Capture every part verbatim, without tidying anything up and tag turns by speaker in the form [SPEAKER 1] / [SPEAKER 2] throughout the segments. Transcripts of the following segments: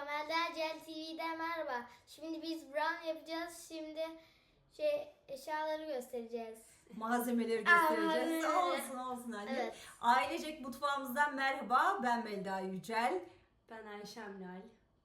[SPEAKER 1] Melda Cel T V'den merhaba. Şimdi biz brownie yapacağız. Şimdi şey eşyaları göstereceğiz.
[SPEAKER 2] Malzemeleri
[SPEAKER 1] Aa,
[SPEAKER 2] göstereceğiz.
[SPEAKER 1] malzemeleri.
[SPEAKER 2] Olsun olsun anne.
[SPEAKER 1] Evet.
[SPEAKER 2] Ailecek mutfağımızdan merhaba. Ben Melda Yücel.
[SPEAKER 3] Ben Ayşem Lal.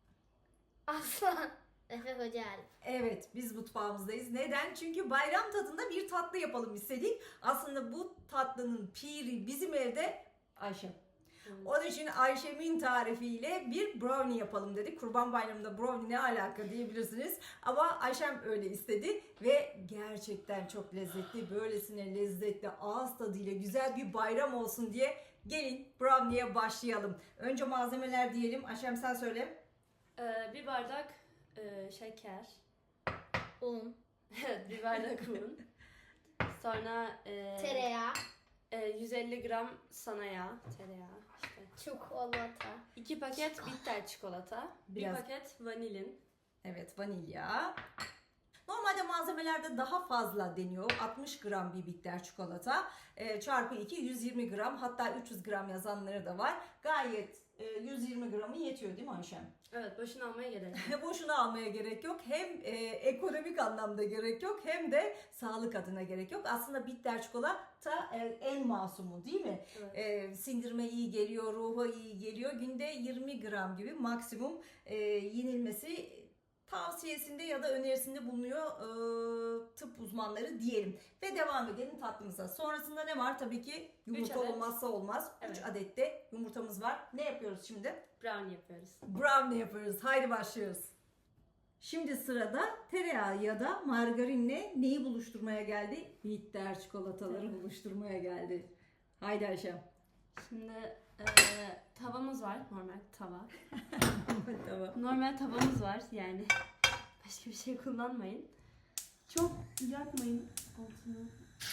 [SPEAKER 1] Aslan. Efe Hoca Alp.
[SPEAKER 2] Evet, biz mutfağımızdayız. Neden? Çünkü bayram tadında bir tatlı yapalım istedik. Aslında bu tatlının piri bizim evde Ayşem. Onun için Ayşem'in tarifiyle bir brownie yapalım dedik. Kurban Bayramı'nda brownie ne alaka diyebilirsiniz. Ama Ayşem öyle istedi ve gerçekten çok lezzetli, böylesine lezzetli, ağız tadıyla güzel bir bayram olsun diye gelin brownie'ye başlayalım. Önce malzemeler diyelim. Ayşem sen söyle.
[SPEAKER 3] Ee, bir bardak e, şeker.
[SPEAKER 1] Un.
[SPEAKER 3] Evet, bir bardak un. Sonra e,
[SPEAKER 1] Tereyağı.
[SPEAKER 3] e, yüz elli gram sana yağ. Tereyağı işte.
[SPEAKER 1] Çikolata.
[SPEAKER 3] iki paket bitter çikolata.
[SPEAKER 2] Biraz-
[SPEAKER 3] Bir paket vanilin.
[SPEAKER 2] Evet, vanilya. Normalde malzemelerde daha fazla deniyor. altmış gram bir bitter çikolata. E, çarpı iki yüz yirmi gram, hatta üç yüz gram yazanları da var. Gayet e, yüz yirmi gramı yetiyor değil mi Ayşem?
[SPEAKER 3] Evet, boşuna almaya gerek yok.
[SPEAKER 2] Boşuna almaya gerek yok. Hem e, ekonomik anlamda gerek yok, hem de sağlık adına gerek yok. Aslında bitter çikolata e, en masumu değil mi?
[SPEAKER 3] Evet.
[SPEAKER 2] E, sindirime iyi geliyor, ruha iyi geliyor. Günde yirmi gram gibi maksimum e, yenilmesi tavsiyesinde ya da önerisinde bulunuyor e, tıp uzmanları diyelim. Ve devam edelim tatlımıza. Sonrasında ne var? Tabii ki yumurta
[SPEAKER 3] Üç adet.
[SPEAKER 2] olmazsa olmaz. üç
[SPEAKER 3] Evet.
[SPEAKER 2] adet de yumurtamız var. Ne yapıyoruz şimdi?
[SPEAKER 3] Brownie yapıyoruz.
[SPEAKER 2] Brownie yapıyoruz. Haydi başlıyoruz. Şimdi sırada tereyağı ya da margarinle neyi buluşturmaya geldi? Bitter çikolataları
[SPEAKER 3] Evet.
[SPEAKER 2] buluşturmaya geldi. Haydi Ayşem.
[SPEAKER 3] Şimdi e, tavamız var. Normal tava.
[SPEAKER 2] Tamam.
[SPEAKER 3] Normal tavamız var yani. Başka bir şey kullanmayın. Çok yakmayın altını.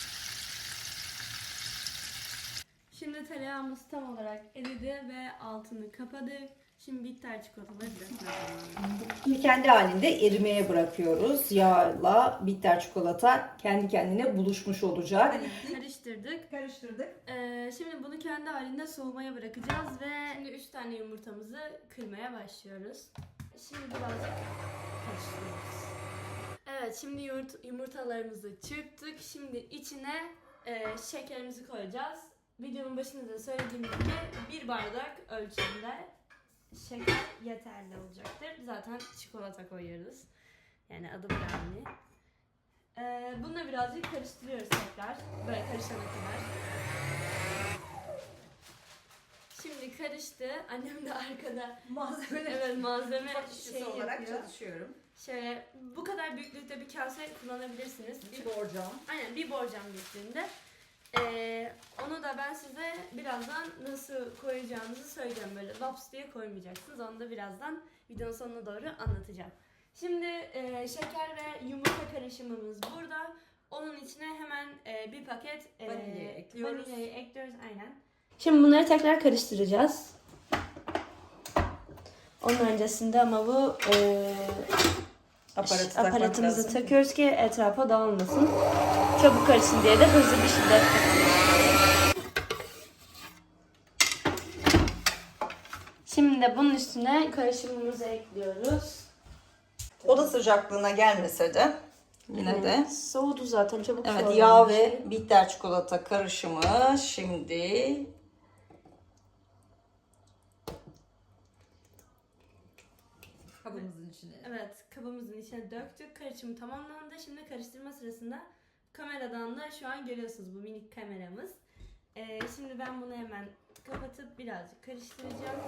[SPEAKER 3] Şimdi tereyağımız tam olarak eridi ve altını kapadık. Şimdi bitter çikolataları dökmeye
[SPEAKER 2] Kendi halinde erimeye bırakıyoruz. Yağla bitter çikolata kendi kendine buluşmuş olacak.
[SPEAKER 3] karıştırdık.
[SPEAKER 2] Karıştırdık.
[SPEAKER 3] Ee, şimdi bunu kendi halinde soğumaya bırakacağız ve şimdi üç tane yumurtamızı kırmaya başlıyoruz. Şimdi birazcık karıştırıyoruz. Evet, şimdi yumurt- yumurtalarımızı çırptık. Şimdi içine e, şekerimizi koyacağız. Videonun başında da söylediğim gibi bir bardak ölçümde şeker yeterli olacaktır. Zaten çikolata koyuyoruz. Yani adı brownie. Ee, bununla birazcık karıştırıyoruz tekrar. Böyle karışana kadar. Şimdi karıştı. Annem de arkada
[SPEAKER 2] Malzemeler
[SPEAKER 3] evet malzeme
[SPEAKER 2] işçisi
[SPEAKER 3] şey
[SPEAKER 2] olarak
[SPEAKER 3] yapıyor.
[SPEAKER 2] çalışıyorum.
[SPEAKER 3] Şöyle bu kadar büyüklükte bir kase kullanabilirsiniz.
[SPEAKER 2] Bir borcam.
[SPEAKER 3] Aynen bir borcam büyüklüğünde. Ee, onu da ben size birazdan nasıl koyacağınızı söyleyeceğim. Böyle laps diye koymayacaksınız. Onu da birazdan videonun sonuna doğru anlatacağım. Şimdi e, şeker ve yumurta karışımımız burada. Onun içine hemen e, bir paket e,
[SPEAKER 2] Vanilya ekliyoruz.
[SPEAKER 3] Vanilyayı ekliyoruz aynen. Şimdi bunları tekrar karıştıracağız. Onun öncesinde ama bu e,
[SPEAKER 2] Aparatı takmak
[SPEAKER 3] aparatımızı
[SPEAKER 2] lazım.
[SPEAKER 3] takıyoruz ki etrafa dağılmasın. Çabuk karışsın diye de hızlı bir şekilde. Şimdi de bunun üstüne karışımımızı ekliyoruz.
[SPEAKER 2] Oda sıcaklığına gelmese de yine de.
[SPEAKER 3] Soğudu zaten çabuk
[SPEAKER 2] Evet,
[SPEAKER 3] soğudu.
[SPEAKER 2] yağ ve bitter çikolata karışımı şimdi kabımızın içine.
[SPEAKER 3] Evet, kabımızın içine döktük. Karışımı tamamlandı. Şimdi karıştırma sırasında kameradan da şu an görüyorsunuz bu minik kameramız. Ee, şimdi ben bunu hemen kapatıp birazcık karıştıracağım.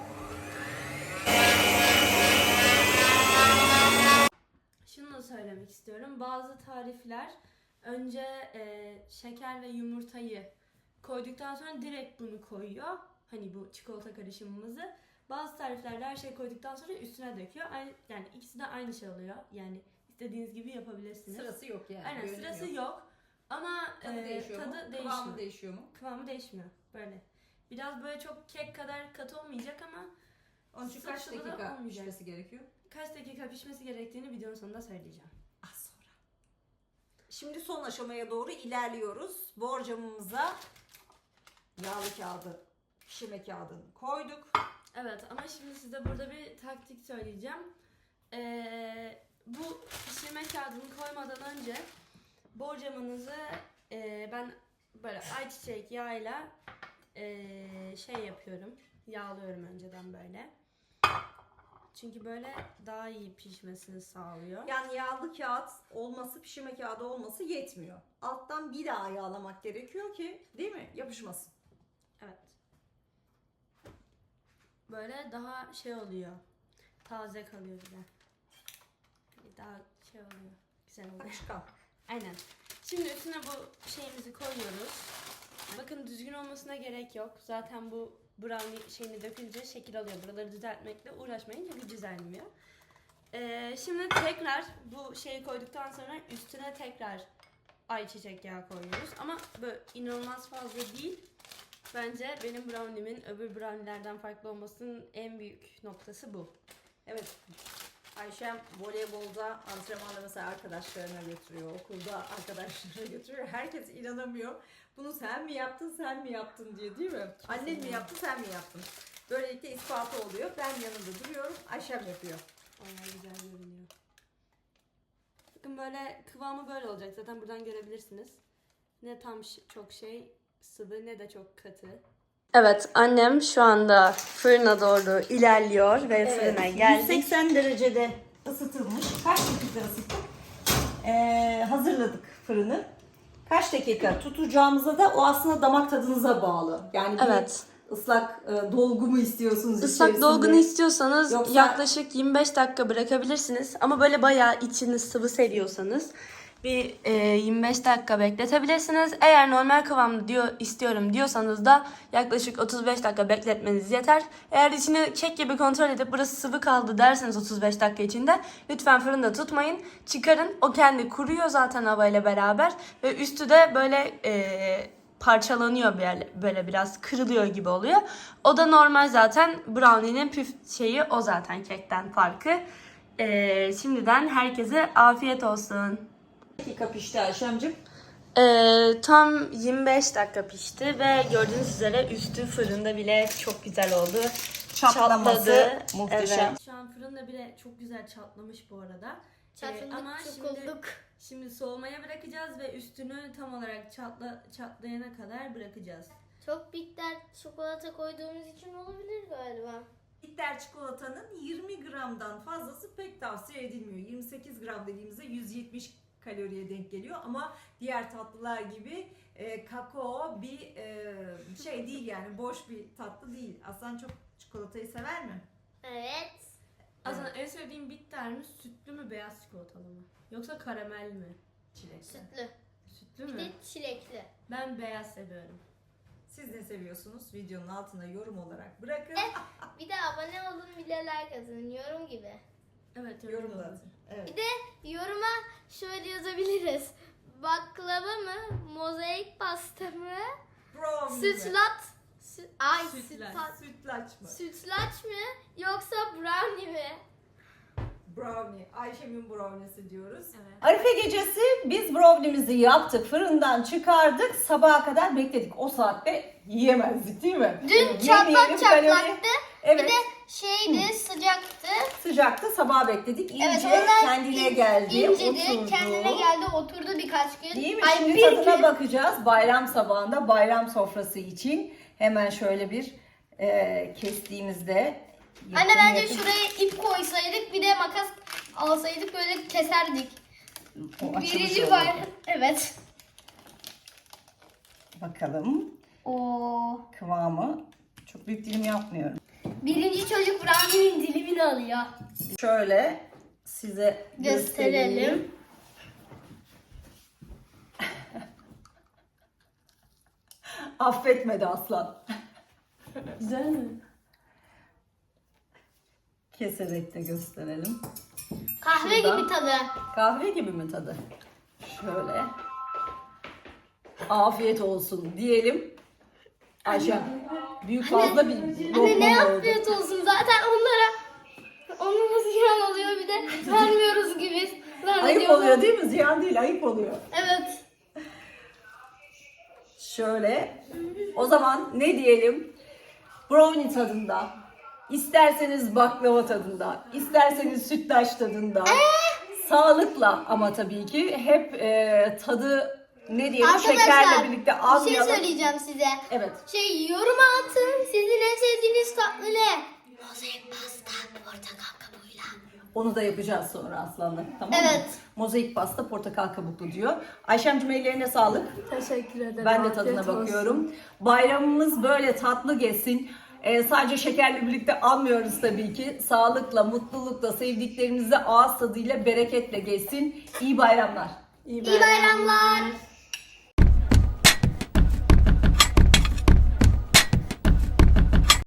[SPEAKER 3] Şunu da söylemek istiyorum. Bazı tarifler önce e, şeker ve yumurtayı koyduktan sonra direkt bunu koyuyor. Hani bu çikolata karışımımızı. Bazı tariflerde her şey koyduktan sonra üstüne döküyor. Aynı, yani ikisi de aynı şey oluyor. Yani istediğiniz gibi yapabilirsiniz.
[SPEAKER 2] Sırası yok yani.
[SPEAKER 3] Aynen,
[SPEAKER 2] bölüm
[SPEAKER 3] sırası yok.
[SPEAKER 2] yok.
[SPEAKER 3] Ama
[SPEAKER 2] Tadı
[SPEAKER 3] e,
[SPEAKER 2] değişiyor
[SPEAKER 3] tadı
[SPEAKER 2] mu?
[SPEAKER 3] değişmiyor.
[SPEAKER 2] Kıvamı değişiyor mu?
[SPEAKER 3] Kıvamı değişmiyor. Böyle. Biraz böyle çok kek kadar katı olmayacak ama
[SPEAKER 2] Onun için kaç
[SPEAKER 3] sıvı sıvı da
[SPEAKER 2] dakika
[SPEAKER 3] olmayacak.
[SPEAKER 2] pişmesi gerekiyor?
[SPEAKER 3] Kaç dakika pişmesi gerektiğini videonun sonunda söyleyeceğim.
[SPEAKER 2] Az sonra. Şimdi son aşamaya doğru ilerliyoruz. Borcamımıza yağlı kağıdı, pişirme kağıdını koyduk.
[SPEAKER 3] Evet ama şimdi size burada bir taktik söyleyeceğim. Ee, bu pişirme kağıdını koymadan önce borcamınızı e, ben böyle ayçiçek yağıyla e, şey yapıyorum. Yağlıyorum önceden böyle. Çünkü böyle daha iyi pişmesini sağlıyor.
[SPEAKER 2] Yani yağlı kağıt olması, pişirme kağıdı olması yetmiyor. Alttan bir daha yağlamak gerekiyor ki, değil mi? Yapışmasın.
[SPEAKER 3] Evet. Böyle daha şey oluyor. Taze kalıyor bir de. Daha şey oluyor. Güzel oluyor.
[SPEAKER 2] Akışkan.
[SPEAKER 3] Aynen. Şimdi üstüne bu şeyimizi koyuyoruz. Bakın düzgün olmasına gerek yok. Zaten bu brownie şeyini dökünce şekil alıyor. Buraları düzeltmekle uğraşmayın çünkü düzelmiyor. Ee, şimdi tekrar bu şeyi koyduktan sonra üstüne tekrar ayçiçek yağı koyuyoruz. Ama böyle inanılmaz fazla değil. Bence benim brownie'min öbür brownie'lerden farklı olmasının en büyük noktası bu.
[SPEAKER 2] Evet. Ayşem voleybolda antrenmanda mesela arkadaşlarına götürüyor, okulda arkadaşlarına götürüyor. Herkes inanamıyor. Bunu sen mi yaptın, sen mi yaptın diye, değil mi? Annen mi yaptı, sen mi yaptın? Böylelikle ispatı oluyor. Ben yanında duruyorum, Ayşem yapıyor.
[SPEAKER 3] Bayağı güzel görünüyor. Bakın böyle kıvamı böyle olacak. Zaten buradan görebilirsiniz. Ne tam ş- çok şey sıvı ne de çok katı. Evet, annem şu anda fırına doğru ilerliyor ve fırına geldik.
[SPEAKER 2] yüz seksen derecede ısıtılmış. Kaç dakika ısıttık? Ee, hazırladık fırını. Kaç dakika tutacağımıza da o aslında damak tadınıza bağlı. Yani bir
[SPEAKER 3] Evet.
[SPEAKER 2] ıslak e, dolgu mu istiyorsunuz
[SPEAKER 3] Islak
[SPEAKER 2] içerisinde?
[SPEAKER 3] dolgunu istiyorsanız
[SPEAKER 2] Yoksa-
[SPEAKER 3] yaklaşık yirmi beş dakika bırakabilirsiniz. Ama böyle bayağı içini sıvı seviyorsanız bir e, yirmi beş dakika bekletebilirsiniz. Eğer normal kıvamda diyor istiyorum diyorsanız da yaklaşık otuz beş dakika bekletmeniz yeter. Eğer içini kek gibi kontrol edip burası sıvı kaldı derseniz otuz beş dakika içinde lütfen fırında tutmayın. Çıkarın. O kendi kuruyor zaten havayla beraber ve üstü de böyle e, parçalanıyor böyle, böyle biraz kırılıyor gibi oluyor. O da normal zaten. Brownie'nin püf şeyi o zaten kekten farkı. E, şimdiden herkese afiyet olsun.
[SPEAKER 2] dakika pişti Ayşemciğim.
[SPEAKER 3] Ee, tam yirmi beş dakika pişti ve gördüğünüz üzere üstü fırında bile çok güzel oldu.
[SPEAKER 2] Çatlaması
[SPEAKER 3] Çatladı.
[SPEAKER 2] muhteşem.
[SPEAKER 3] Evet. Şu an fırında bile çok güzel çatlamış bu arada.
[SPEAKER 1] Çatladık,
[SPEAKER 3] ama şimdi,
[SPEAKER 1] çukulduk.
[SPEAKER 3] şimdi soğumaya bırakacağız ve üstünü tam olarak çatla, çatlayana kadar bırakacağız.
[SPEAKER 1] Çok bitter çikolata koyduğumuz için olabilir galiba.
[SPEAKER 2] Bitter çikolatanın yirmi gramdan fazlası pek tavsiye edilmiyor. yirmi sekiz gram dediğimizde yüz yetmiş kaloriye denk geliyor ama diğer tatlılar gibi e, kakao bir e, şey değil, yani boş bir tatlı değil. Aslan çok çikolatayı sever mi?
[SPEAKER 1] Evet.
[SPEAKER 3] Aslında en sevdiğim bitter mi, sütlü mü, beyaz çikolatalı mı? Yoksa karamel mi?
[SPEAKER 2] Çilekli.
[SPEAKER 1] Sütlü.
[SPEAKER 3] Sütlü
[SPEAKER 1] Bir
[SPEAKER 3] mü?
[SPEAKER 1] de çilekli.
[SPEAKER 3] Ben beyaz seviyorum.
[SPEAKER 2] Siz ne seviyorsunuz? Videonun altına yorum olarak bırakın.
[SPEAKER 1] Bir de abone olun, bir de like atın. Yorum gibi.
[SPEAKER 3] Evet, öyle
[SPEAKER 2] Yorum da
[SPEAKER 3] olur.
[SPEAKER 2] atın. Evet.
[SPEAKER 1] Bir de yoruma şöyle yazabiliriz. Baklava mı? Mozaik pasta mı?
[SPEAKER 2] Brownie mi?
[SPEAKER 1] Sütlaç. Sü- Ay
[SPEAKER 3] Sütlaç.
[SPEAKER 1] sütlaç.
[SPEAKER 2] Sütlaç mı?
[SPEAKER 1] Sütlaç mı? Yoksa brownie mi?
[SPEAKER 2] Brownie. Ayşem'in brownie'si diyoruz.
[SPEAKER 3] Evet.
[SPEAKER 2] Arife gecesi biz brownie'mizi yaptık, fırından çıkardık, sabaha kadar bekledik. O saatte yiyemezdik, değil mi?
[SPEAKER 1] Dün
[SPEAKER 2] Evet,
[SPEAKER 1] çatlak
[SPEAKER 2] yemeyelim, kalori-
[SPEAKER 1] çatlaktı.
[SPEAKER 2] Evet,
[SPEAKER 1] Bir de şeydi, sıcaktı.
[SPEAKER 2] sıcaktı, sabaha bekledik. İyice
[SPEAKER 1] Evet, ondan
[SPEAKER 2] kendine
[SPEAKER 1] in-
[SPEAKER 2] geldi,
[SPEAKER 1] incedi,
[SPEAKER 2] oturdu.
[SPEAKER 1] kendine geldi, oturdu birkaç gün.
[SPEAKER 2] Değil mi?
[SPEAKER 1] Ay,
[SPEAKER 2] Şimdi
[SPEAKER 1] bir
[SPEAKER 2] tadına
[SPEAKER 1] gün.
[SPEAKER 2] bakacağız. Bayram sabahında bayram sofrası için hemen şöyle bir e, kestiğimizde.
[SPEAKER 1] Anne
[SPEAKER 2] yakın
[SPEAKER 1] bence
[SPEAKER 2] yakın-
[SPEAKER 1] şuraya ip koysaydık, bir de makas alsaydık böyle keserdik.
[SPEAKER 2] O açılış
[SPEAKER 1] Birinci
[SPEAKER 2] oldu.
[SPEAKER 1] bayram. Evet.
[SPEAKER 2] Bakalım
[SPEAKER 1] Oo.
[SPEAKER 2] kıvamı. Çok büyük dilim yapmıyorum.
[SPEAKER 1] Birinci çocuk brownie'nin dilimini alıyor.
[SPEAKER 2] Şöyle size göstereyim.
[SPEAKER 1] Gösterelim.
[SPEAKER 2] Affetmedi aslan.
[SPEAKER 3] Güzel mi?
[SPEAKER 2] Keserek de gösterelim.
[SPEAKER 1] Kahve
[SPEAKER 2] Şuradan.
[SPEAKER 1] gibi tadı.
[SPEAKER 2] Kahve gibi mi tadı? Şöyle. Afiyet olsun diyelim. Ayşe, büyük fazla bir
[SPEAKER 1] Anne
[SPEAKER 2] lokma
[SPEAKER 1] ne
[SPEAKER 2] oldu.
[SPEAKER 1] afiyet olsun, zaten onlara onlara ziyan oluyor, bir de vermiyoruz gibi zannediyorlar.
[SPEAKER 2] Ayıp oluyor değil mi? Ziyan değil, ayıp oluyor.
[SPEAKER 1] Evet.
[SPEAKER 2] Şöyle. O zaman ne diyelim? Brownie tadında, İsterseniz baklava tadında, isterseniz sütlaç tadında. Sağlıkla ama tabii ki hep e, tadı ne diyelim şekerle
[SPEAKER 1] Arkadaşlar
[SPEAKER 2] birlikte
[SPEAKER 1] bir şey
[SPEAKER 2] almayalım.
[SPEAKER 1] söyleyeceğim size.
[SPEAKER 2] Evet.
[SPEAKER 1] Şey yoruma atın. Sizin en sevdiğiniz tatlı ne? Mozaik pasta portakal kabuğuyla.
[SPEAKER 2] Onu da yapacağız sonra Aslan'la. Tamam mı?
[SPEAKER 1] Evet.
[SPEAKER 2] Mozaik pasta portakal kabuklu diyor. Ayşemciğim ellerine sağlık.
[SPEAKER 3] Teşekkür ederim.
[SPEAKER 2] Ben de
[SPEAKER 3] Afiyet
[SPEAKER 2] tadına
[SPEAKER 3] olsun.
[SPEAKER 2] bakıyorum. Bayramımız böyle tatlı geçsin. Ee, sadece şekerle birlikte almıyoruz tabii ki. Sağlıkla, mutlulukla, sevdiklerimizle ağız tadıyla, bereketle geçsin. İyi bayramlar.
[SPEAKER 3] İyi
[SPEAKER 1] İyi bayramlar.